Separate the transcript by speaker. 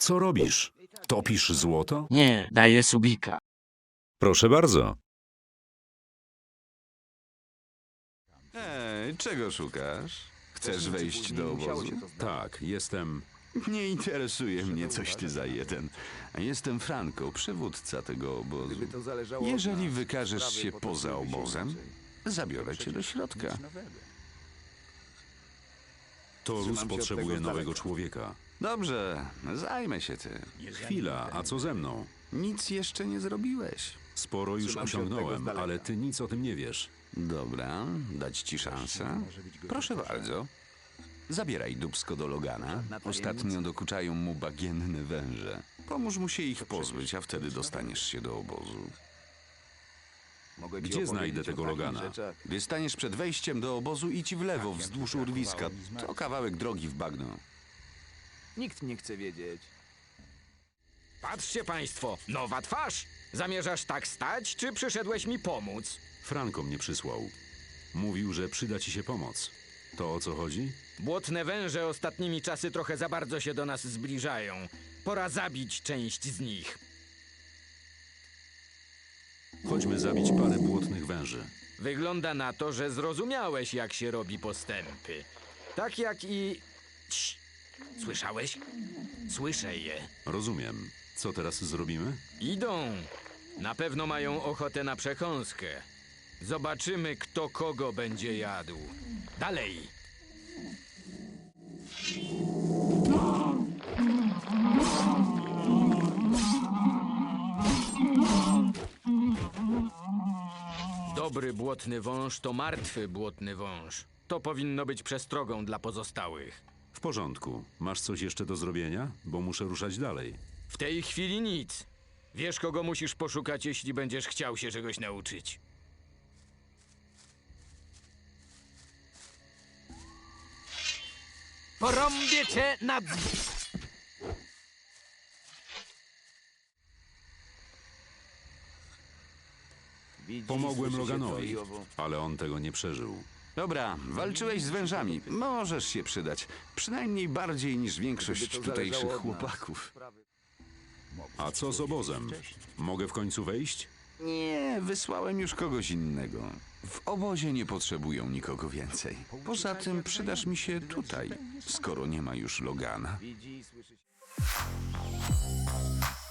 Speaker 1: Co robisz? Topisz złoto?
Speaker 2: Nie, daję subika.
Speaker 1: Proszę bardzo.
Speaker 3: Czego szukasz? Chcesz wejść do obozu?
Speaker 1: Tak, jestem...
Speaker 3: Nie interesuje mnie coś ty za jeden. Jestem Franco, przywódca tego obozu. Jeżeli wykażesz się poza obozem, zabiorę cię do środka.
Speaker 1: Torus potrzebuje nowego człowieka.
Speaker 3: Dobrze, zajmę się tym.
Speaker 1: Chwila, a co ze mną?
Speaker 3: Nic jeszcze nie zrobiłeś.
Speaker 1: Sporo już osiągnąłem, ale ty nic o tym nie wiesz.
Speaker 3: Dobra, dać ci szansę? Proszę bardzo. Zabieraj dupsko do Logana. Ostatnio dokuczają mu bagienne węże. Pomóż mu się ich pozbyć, a wtedy dostaniesz się do obozu.
Speaker 1: Gdzie znajdę tego Logana?
Speaker 3: Gdy staniesz przed wejściem do obozu, idź w lewo, wzdłuż urwiska. To kawałek drogi w bagno.
Speaker 4: Nikt nie chce wiedzieć.
Speaker 5: Patrzcie państwo, nowa twarz! Zamierzasz tak stać, czy przyszedłeś mi pomóc?
Speaker 1: Franco mnie przysłał. Mówił, że przyda ci się pomoc. To o co chodzi?
Speaker 5: Błotne węże ostatnimi czasy trochę za bardzo się do nas zbliżają. Pora zabić część z nich.
Speaker 1: Chodźmy zabić parę błotnych węży.
Speaker 5: Wygląda na to, że zrozumiałeś, jak się robi postępy. Tak jak i... Cii. Słyszałeś? Słyszę je.
Speaker 1: Rozumiem. Co teraz zrobimy?
Speaker 5: Idą. Na pewno mają ochotę na przekąskę. Zobaczymy, kto kogo będzie jadł. Dalej. Dobry błotny wąż to martwy błotny wąż. To powinno być przestrogą dla pozostałych.
Speaker 1: W porządku. Masz coś jeszcze do zrobienia? Bo muszę ruszać dalej.
Speaker 5: W tej chwili nic. Wiesz, kogo musisz poszukać, jeśli będziesz chciał się czegoś nauczyć. Porąbię cię na
Speaker 1: Pomogłem Loganowi, ale on tego nie przeżył.
Speaker 3: Dobra, walczyłeś z wężami. Możesz się przydać. Przynajmniej bardziej niż większość tutejszych chłopaków.
Speaker 1: A co z obozem? Mogę w końcu wejść?
Speaker 3: Nie, wysłałem już kogoś innego. W obozie nie potrzebują nikogo więcej. Poza tym przydasz mi się tutaj, skoro nie ma już Logana.
Speaker 4: Widzi, słyszy.